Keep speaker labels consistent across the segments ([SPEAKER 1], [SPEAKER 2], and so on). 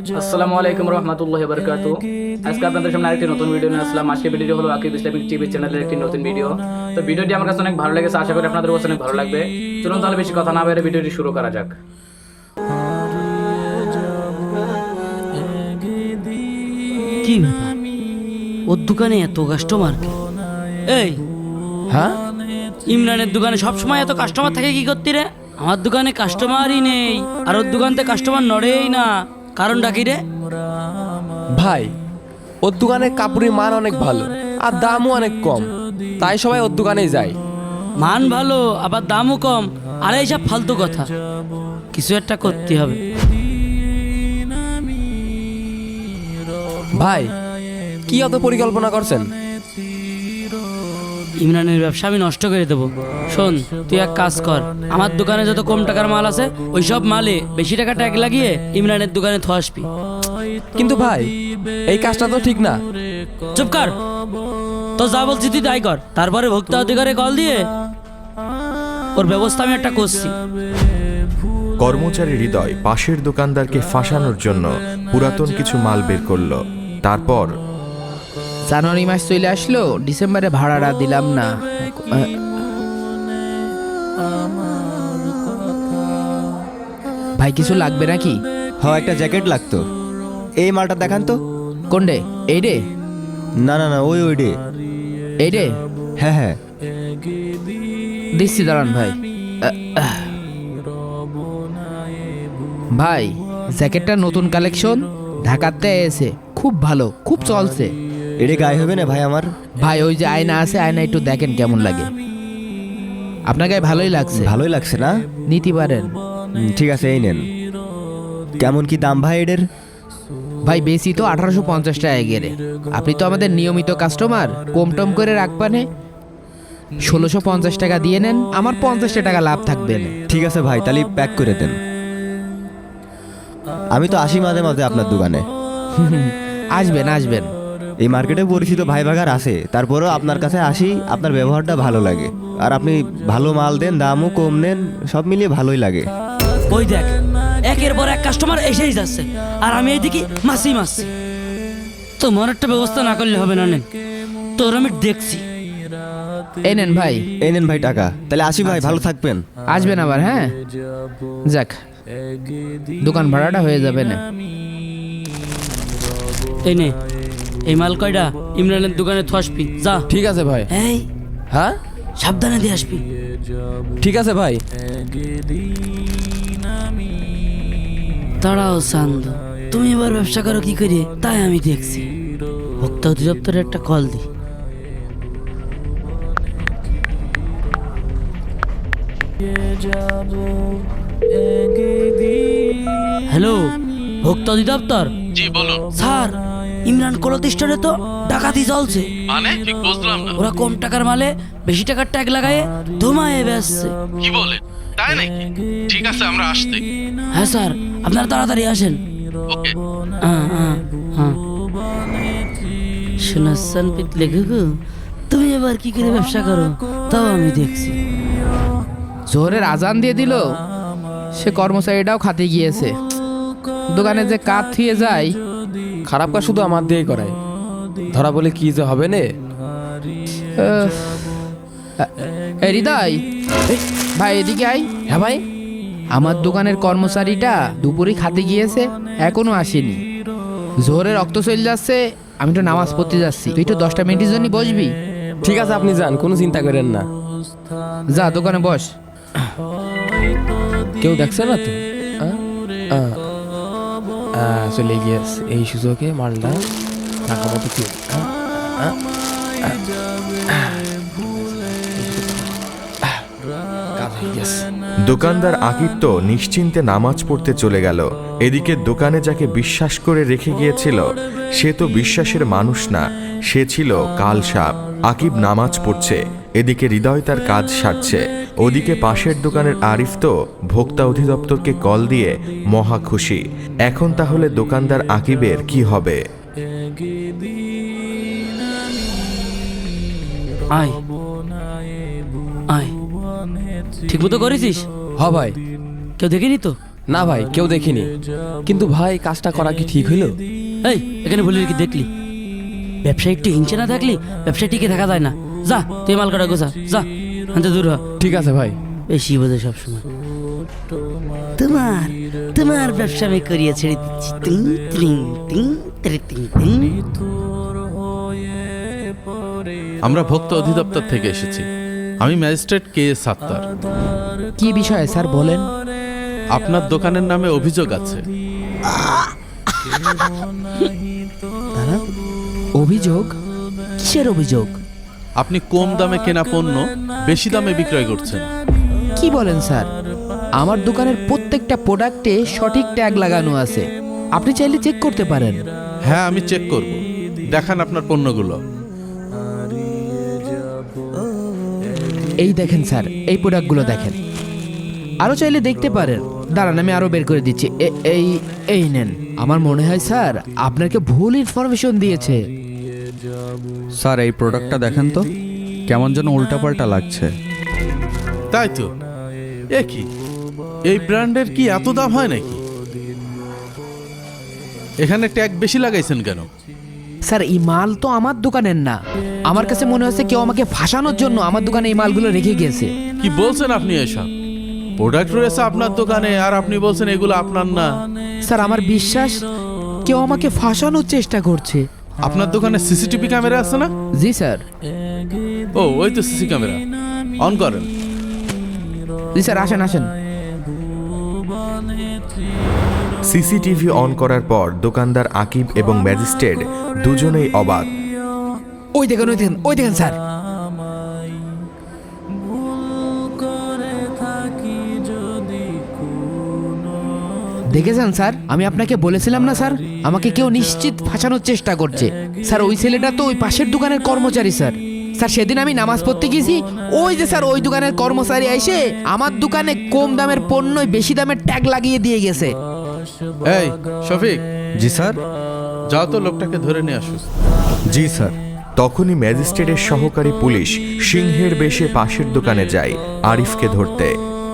[SPEAKER 1] আসসালামু আলাইকুম রহমতুল্লাহি ওয়া বারাকাতুহু। আজকে আপনাদের সামনে আরেকটি নতুন ভিডিও নিয়ে আসলাম। আজকে ভিডিওটি হলো আকিব ইসলামিক টিভি চ্যানেলের একটি নতুন ভিডিও। তো ভিডিওটি আমার কাছে অনেক ভালো লেগেছে, আশা করি আপনাদের কাছে অনেক ভালো লাগবে। চলুন তাহলে বেশি কথা না বলে ভিডিওটি শুরু করা যাক।
[SPEAKER 2] কি ব্যাপার, ওর দোকানে এত কাস্টমার? এই
[SPEAKER 3] হ্যাঁ,
[SPEAKER 2] ইমরানের দোকানে সবসময় এত কাস্টমার থাকে কি করতে রে? আমার দোকানে কাস্টমারই নেই, আর ওর দোকান থেকে কাস্টমার নড়েই না। কারণটা কি রে?
[SPEAKER 3] ভাই ওর দোকানে কাপড়ের মান অনেক ভালো আর দামও অনেক কম, তাই সবাই ওর দোকানেই যায়।
[SPEAKER 2] মান ভালো আবার দামও কম, আর এইসব ফালতু কথা। কিছু একটা করতে হবে।
[SPEAKER 3] ভাই কি অত পরিকল্পনা করছেন?
[SPEAKER 2] ইমরানের ব্যবসা আমি নষ্ট করে দেবো। শোন, তুই এক কাজ কর, আমার দোকানে যত কম টাকার মাল আছে ওই সব মালে বেশি টাকা ট্যাগ লাগিয়ে ইমরানের দোকানে থ আসবি।
[SPEAKER 3] কিন্তু ভাই এই কাজটা তো ঠিক না।
[SPEAKER 2] চুপ কর, তো যা বলছি তুই তাই কর। তারপরে ভোক্তা অধিকারে কল দিয়ে ওর ব্যবস্থা আমি একটা করছি।
[SPEAKER 4] কর্মচারী হৃদয় পাশের দোকানদারকে ফাঁসানোর জন্য পুরাতন কিছু মাল বের করলো। তারপর
[SPEAKER 5] জানুয়ারি মাস চলে আসলো, ডিসেম্বরে ভাড়াটা দিলাম না। ভাই কিছু লাগবে নাকি?
[SPEAKER 6] একটা জ্যাকেট লাগতো। এই মালটা দেখান তো।
[SPEAKER 5] কোন রে? এই রে?
[SPEAKER 6] না না না, ওই রে।
[SPEAKER 5] এই রে?
[SPEAKER 6] হ্যাঁ হ্যাঁ,
[SPEAKER 5] দিচ্ছি, দাঁড়ান ভাই। ভাই জ্যাকেটটা নতুন কালেকশন, ঢাকাতে এসে খুব ভালো, খুব চলছে।
[SPEAKER 6] এটা গায়ে হবে না ভাই আমার?
[SPEAKER 5] ভাই ওই যে আয়না আছে, আয়না একটু দেখেন কেমন লাগে। আপনার গায়ে ভালোই লাগছে,
[SPEAKER 6] ভালোই লাগছে না?
[SPEAKER 5] নিতে পারেন।
[SPEAKER 6] ঠিক আছে, এই নেন। কেমন কি দাম ভাই এদের?
[SPEAKER 5] ভাই বেশি তো 1850 টাকা গেলে। আপনি তো আমাদের নিয়মিত কাস্টমার, কম টম করে রাখবানে 1650 টাকা দিয়ে নেন, আমার 50 টাকা লাভ থাকবে না।
[SPEAKER 6] ঠিক আছে ভাই, তাহলে প্যাক করে দেন। আমি তো আসি মাঝে মাঝে আপনার দোকানে।
[SPEAKER 5] আসবেন আসবেন।
[SPEAKER 6] এই মার্কেটে পরিচিত ভাই ভাগার আছে, তারপরেও আপনার কাছে আসি। আপনার ব্যবহারটা ভালো লাগে, আর আপনি ভালো মাল দেন, দামও কম নেন, সব মিলিয়ে ভালোই লাগে।
[SPEAKER 2] ওই দেখ, একের পর এক কাস্টমার এসেই যাচ্ছে, আর আমি এইদিকে মাসি। তোমার একটা ব্যবস্থা না করলে হবে না। নেন, তোর আমি দেখছি।
[SPEAKER 5] এই নেন ভাই।
[SPEAKER 6] এই নেন ভাই টাকা। তাহলে আসি ভাই, ভালো থাকবেন।
[SPEAKER 5] আসবেন আবার। হ্যাঁ যাক, দোকান ভাড়াটা হয়ে যাবে না।
[SPEAKER 2] এই নে, এই মাল কয়টা ইমরানের দোকানে থ আসবি, যা।
[SPEAKER 3] ঠিক আছে ভাই।
[SPEAKER 2] এই
[SPEAKER 3] হ্যাঁ
[SPEAKER 2] সাবধানে দিয়ে আসবি।
[SPEAKER 3] ঠিক আছে ভাই।
[SPEAKER 2] দাঁড়াও চান্দ, তুমি এবার ব্যবসা করো কি করে তাই আমি দেখছি। ভোক্তা অধিদপ্তরে একটা কল দি। হ্যালো, ভোক্তা অধিদপ্তর?
[SPEAKER 7] জি বলুন।
[SPEAKER 2] স্যার, ইমরান কলতিষ্ঠানে তো ডাকাতি চলছে।
[SPEAKER 7] মানে ঠিক বুঝলাম না।
[SPEAKER 2] ওরা কম টাকার মালে বেশি টাকার ট্যাগ লাগায়ে ধুমায়ে বেচছে।
[SPEAKER 7] কি বলেন, তাই নাকি? ঠিক আছে, আমরা আসতে।
[SPEAKER 2] হ্যাঁ স্যার, আপনারা তাড়াতাড়ি আসেন।
[SPEAKER 7] ওকে।
[SPEAKER 2] শোনাচ্ছেন পিতলে গুগু, তুমি এবার কি করে ব্যবসা করো তাও আমি দেখছি।
[SPEAKER 5] জোহরের আজান দিয়ে দিল, সে কর্মচারীটাও খাতে গিয়েছে। দোকানে যে কাজ থুয়ে যায়।
[SPEAKER 3] খারাপ কাজ শুধু আমার দিয়েই করায়, ধরা বলে কি যে হবে নে।
[SPEAKER 5] এই হৃদয়, ভাই এদিকে আই।
[SPEAKER 3] হ্যাঁ ভাই।
[SPEAKER 5] আমার দোকানের কর্মচারীটা দুপুরে খাতে গিয়েছে, এখনো আসেনি। জোহরের রক্ত চলে যাচ্ছে, আমি তো নামাজ পড়তে যাচ্ছি। তুই তো 10টা মিনিটের জন্য বসবি।
[SPEAKER 3] ঠিক আছে, আপনি যান, কোনো চিন্তা করেন না।
[SPEAKER 5] যা দোকানে বস।
[SPEAKER 3] কেউ দেখছে না তো? চলে গিয়েছে, এই সুযোগে মালটা টাকা মতো কি
[SPEAKER 4] দোকানদার আকিব তো নিশ্চিন্তে নামাজ পড়তে চলে গেল। এদিকে দোকানে যাকে বিশ্বাস করে রেখে গিয়েছিল সে তো বিশ্বাসের মানুষ না, সে ছিল কাল সাপ। আকিব নামাজ পড়ছে, এদিকে হৃদয় তার কাজ সারছে। ওদিকে পাশের দোকানের আরিফ তো ভোক্তা অধিদপ্তরকে কল দিয়ে মহা খুশি। এখন তাহলে দোকানদার আকিবের কি হবে?
[SPEAKER 2] আয় আয়, ঠিক মতো করেছিস?
[SPEAKER 3] হ ভাই।
[SPEAKER 2] কেউ দেখেনি তো?
[SPEAKER 3] না ভাই কেউ দেখিনি, কিন্তু ভাই কাজটা করা কি ঠিক হইলো?
[SPEAKER 2] এই এখানে বলি কি দেখলি, ব্যবসায়ী একটু হিংসে না থাকলে ব্যবসায় টিকে থাকা যায় না। যা তুই মাল কাটা গোছা, যা আনতে দূর হ।
[SPEAKER 3] ঠিক আছে ভাই।
[SPEAKER 2] বেশি বোঝে সবসময়। তোমার তোমার ব্যবসা আমি করিয়ে ছেড়ে দিচ্ছি। টিং টিং টিং টিং টিং টিং।
[SPEAKER 7] আমরা ভোক্তা অধিদপ্তর থেকে এসেছি। আমি ম্যাজিস্ট্রেট KS সাত্তার।
[SPEAKER 5] কি বিষয়ে স্যার বলেন?
[SPEAKER 7] আপনার দোকানের নামে অভিযোগ আছে।
[SPEAKER 5] অভিযোগ? কিসের অভিযোগ?
[SPEAKER 7] আপনি কম দামে কেনা পণ্য বেশি দামে বিক্রয় করছেন।
[SPEAKER 5] কি বলেন স্যার? আমার দোকানের প্রত্যেকটা প্রোডাক্টে সঠিক ট্যাগ লাগানো আছে, আপনি চাইলে চেক করতে পারেন।
[SPEAKER 7] হ্যাঁ, আমি চেক করব। দেখান আপনার পণ্যগুলো।
[SPEAKER 5] এই দেখেন স্যার, এই প্রোডাক্টগুলো দেখেন। আরও চাইলে দেখতে পারেন। দাঁড়ান আমি আরও বের করে দিচ্ছি। এই এই নেন। আমার মনে হয় স্যার আপনাকে ভুল ইনফরমেশন দিয়েছে।
[SPEAKER 8] স্যার এই প্রোডাক্টটা দেখেন তো, কেমন যেন উল্টাপাল্টা লাগছে।
[SPEAKER 7] তাই তো, এ কি, এই ব্র্যান্ডের কি এত দাম হয় নাকি? এখানে ট্যাগ বেশি লাগাইছেন কেন?
[SPEAKER 5] স্যার এই মাল তো আমার দোকানের না, আমার কাছে মনে হচ্ছে কেউ আমাকে ফাঁসানোর জন্য আমার দোকানে এই মালগুলো রেখে গিয়েছে।
[SPEAKER 7] কি বলছেন আপনি এসব? প্রোডাক্ট রয়েছে আপনার দোকানে আর আপনি বলছেন এগুলো আপনার না।
[SPEAKER 5] স্যার আমার বিশ্বাস কেউ আমাকে ফাঁসানোর চেষ্টা করছে।
[SPEAKER 7] আপনার দোকানে সিসিটিভি ক্যামেরা আছে না?
[SPEAKER 5] জি স্যার।
[SPEAKER 7] ও, ওই তো সিসি ক্যামেরা, অন করেন।
[SPEAKER 5] জি স্যার, আসেন আসেন।
[SPEAKER 4] সিসিটিভি অন করার পর দোকানদার আকিব এবং ম্যাজিস্ট্রেট দুজনেই অবাক।
[SPEAKER 5] ওই দেখেন ওই দেখেন ওই দেখেন স্যার। দেখেছেন স্যার, আমি আপনাকে বলেছিলাম না স্যার, আমাকে কেউ নিশ্চিত ফাঁসানোর চেষ্টা করছে। স্যার ওই ছেলেটা তো ওই পাশের দোকানের কর্মচারী স্যার। স্যার সেদিন আমি নামাজ পড়তে গেছি, ওই যে স্যার ওই দোকানের কর্মচারী এসে আমার দোকানে কম দামের পণ্যই বেশি দামের ট্যাগ লাগিয়ে দিয়ে গেছে।
[SPEAKER 7] এই শফিক,
[SPEAKER 8] জি স্যার।
[SPEAKER 7] যাও তো লোকটাকে ধরে নিয়ে আসো।
[SPEAKER 8] জি স্যার।
[SPEAKER 4] তখনই ম্যাজিস্ট্রেটের সহকারী পুলিশ সিংহের বেশে পাশের দোকানে যায় আরিফকে ধরতে।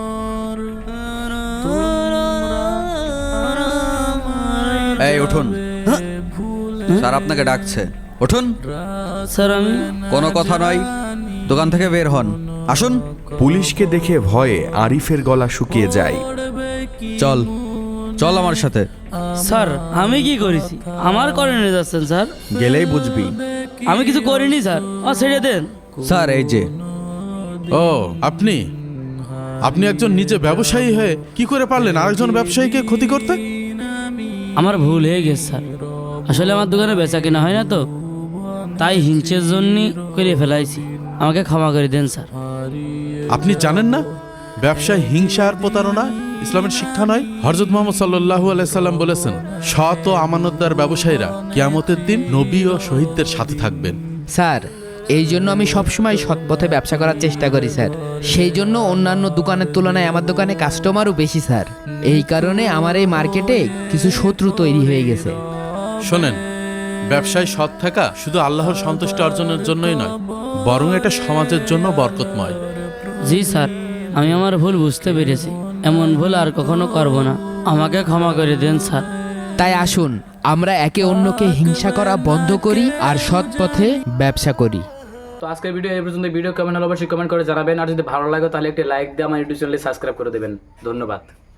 [SPEAKER 8] এই উঠুন, স্যার আপনাকে ডাকছে, উঠুন।
[SPEAKER 2] স্যার আমি
[SPEAKER 8] কোনো কথা নয়, দোকান থেকে বের হন, আসুন।
[SPEAKER 4] পুলিশকে দেখে ভয়ে আরিফের গলা শুকিয়ে যায়।
[SPEAKER 8] চল চল আমার সাথে।
[SPEAKER 2] স্যার আমি কি করেছি? আমার করে নিয়ে যাচ্ছেন স্যার?
[SPEAKER 8] গেলেই বুঝবি।
[SPEAKER 2] আমি কিছু করিনি স্যার, ছেড়ে দেন।
[SPEAKER 8] স্যার এই যে।
[SPEAKER 7] ও, আপনি আপনি একজন নিজে ব্যবসায়ী হয়ে কি করে পারলেন আরেকজন ব্যবসায়ীকে ক্ষতি করতে?
[SPEAKER 2] আমার ভুল হয়ে গেছে স্যার, আসলে আমার দোকানে বেচা কেনা হয় না তো, তাই হিংসের জন্যই করে ফেলাইছি। আমাকে ক্ষমা করে দেন স্যার।
[SPEAKER 7] আপনি জানেন না ব্যবসায় হিংসা আর প্রতারণা ইসলামের শিক্ষা নয়? হযরত মুহাম্মদ সাল্লাল্লাহু আলাইহি সাল্লাম বলেছেন, সৎ ও আমানতদার ব্যবসায়ীরা কিয়ামতের দিন নবী ও শহীদদের সাথে থাকবেন।
[SPEAKER 5] স্যার এই জন্য আমি সবসময় সৎ পথে ব্যবসা করার চেষ্টা করি স্যার। সেই জন্য অন্যান্য দোকানের তুলনায় আমার দোকানে কাস্টমারও বেশি স্যার। এই কারণে আমার এই মার্কেটে কিছু শত্রু তৈরি হয়ে গেছে।
[SPEAKER 7] শোনেন, ব্যবসায় সৎ থাকা শুধু আল্লাহর সন্তুষ্টি অর্জনের জন্যই নয়, বরং এটা সমাজের জন্য বরকতময়।
[SPEAKER 2] জি স্যার, আমি আমার ভুল বুঝতে পেরেছি, এমন ভুল আর কখনো করব না। আমাকে ক্ষমা করে দেন স্যার।
[SPEAKER 5] তাই আসুন আমরা একে অন্যকে হিংসা করা বন্ধ করি আর সৎ পথে ব্যবসা করি।
[SPEAKER 1] তো আজকের ভিডিও এই পর্যন্ত। ভিডিও কেমন হলো অবশ্যই কমেন্ট করে জানাবেন, আর যদি ভালো লাগে তাহলে একটি লাইক দিয়ে আমার ইউটিউব চ্যানেলে সাবস্ক্রাইব করে দেবেন। ধন্যবাদ।